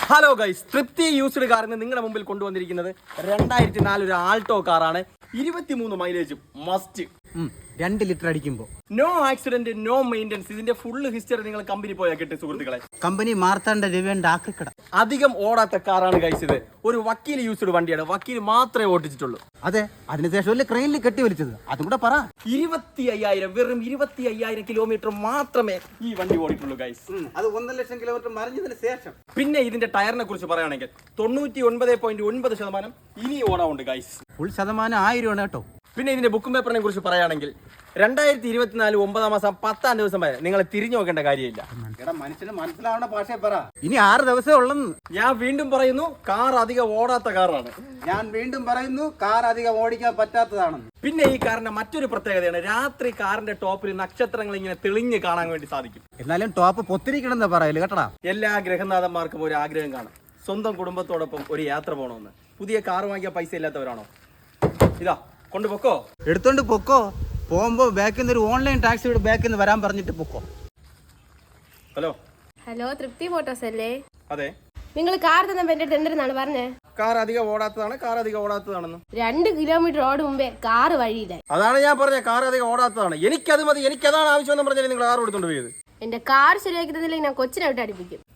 Hello guys, തൃപ്തി used കാറിന് നിങ്ങളുടെ മുമ്പിൽ കൊണ്ടുവന്നിരിക്കുന്നത് 2004 ഒരു ആൾട്ടോ കാറാണ്. 23 മൈലേജ് മസ്റ്റ്. 2 ലിറ്റർ അടിക്കുമ്പോൾ നോ ആക്സിഡന്റ്, നോ മെയിൻ്റെനൻസ്. ഇതിന്റെ ഫുള്ള് ഹിസ്റ്ററി നിങ്ങൾ കമ്പനി പോയാൽ കിട്ടും സുഹൃത്തുക്കളെ. കമ്പനി മാർത്താണ്ഡ രവിയുടെ ആക്രിക്കട. അധികം ഓടാത്ത കാറാണ് ഗൈസ് ഇത്. ഒരു വക്കീൽ യൂസ്ഡ് വണ്ടിയാണ്. വക്കീൽ മാത്രമേ ഓടിച്ചിട്ടുള്ളൂ. അതെ, അതിനുശേഷം അല്ലേ ക്രെയിനിൽ കെട്ടി വലിച്ചത്. അതും കൂടെ പറ. 25,000 വെറും 25,000 കിലോമീറ്റർ മാത്രമേ ഈ വണ്ടി ഓടിയിട്ടുള്ളൂ ഗൈസ്. അത് 1 ലക്ഷം കിലോമീറ്റർ മറിഞ്ഞതിന് ശേഷം. പിന്നെ ഇതിന്റെ ടയറിനെ കുറിച്ച് പറയുകയാണെങ്കിൽ 99.9% ഇനി ഓടാറുണ്ട് ഗൈസ്. ഫുൾ ശതമാനം 1000 ആണ് കേട്ടോ. പിന്നെ ഇതിന്റെ ബുക്കും പേപ്പറിനെ കുറിച്ച് പറയുകയാണെങ്കിൽ 2024 9 മാസം 10 ദിവസം വരെ നിങ്ങൾ തിരിഞ്ഞു നോക്കേണ്ട കാര്യമില്ല. മനുഷ്യന് മനസ്സിലാവുന്ന ഭാഷയെ പറ. ഇനി 6 ദിവസമേ ഉള്ളെന്ന്. ഞാൻ വീണ്ടും പറയുന്നു, കാർ അധികം ഓടാത്ത കാറാണ്. ഞാൻ വീണ്ടും പറയുന്നു, കാർ അധികം ഓടിക്കാൻ പറ്റാത്തതാണെന്ന്. പിന്നെ ഈ കാറിന്റെ മറ്റൊരു പ്രത്യേകതയാണ്, രാത്രി കാറിന്റെ ടോപ്പിൽ നക്ഷത്രങ്ങൾ ഇങ്ങനെ തെളിഞ്ഞ് കാണാൻ വേണ്ടി സാധിക്കും. എന്നാലും ടോപ്പ് പൊത്തിരിക്കണമെന്ന് പറയല് കേട്ടടാ. എല്ലാ ഗ്രഹനാഥന്മാർക്കും ഒരു ആഗ്രഹം കാണും, സ്വന്തം കുടുംബത്തോടൊപ്പം ഒരു യാത്ര പോകണമെന്ന്. പുതിയ കാർ വാങ്ങിയ പൈസ ഇല്ലാത്തവരാണോ? ഇതാ കൊണ്ടുപോക്കോ, എടുത്തോണ്ട് പൊക്കോ. പോകുമ്പോ ബാക്കിൽ നിന്ന് ഒരു ഓൺലൈൻ ടാക്സിയുടെ ബാക്കിൽ നിന്ന് വരാൻ പറഞ്ഞിട്ട് പൊക്കോ. ഹലോ ഹലോ, തൃപ്തി മോട്ടോഴ്സ് അല്ലേ? അതെ. നിങ്ങൾ കാർ തന്നപ്പോ എന്റെ എന്തിനാണ് പറഞ്ഞേ? കാർ അധികം ഓടാത്തതാണ്, കാർ അധികം ഓടാത്തതാണെന്ന്. 2 കിലോമീറ്റർ ഓടും മുമ്പേ കാറ് വഴിയില്ല. അതാണ് ഞാൻ പറഞ്ഞ, കാർ അധികം ഓടാത്തതാണ്. എനിക്കത് മതി, എനിക്കതാണ് ആവശ്യമെന്ന് പറഞ്ഞാൽ നിങ്ങൾ കാർ എടുത്തോണ്ട് പോയത്. എന്റെ കാർ ശരിയാക്കി തന്നില്ലെങ്കിൽ ഞാൻ കൊച്ചിനെ വിട്ട് അടുപ്പിക്കും.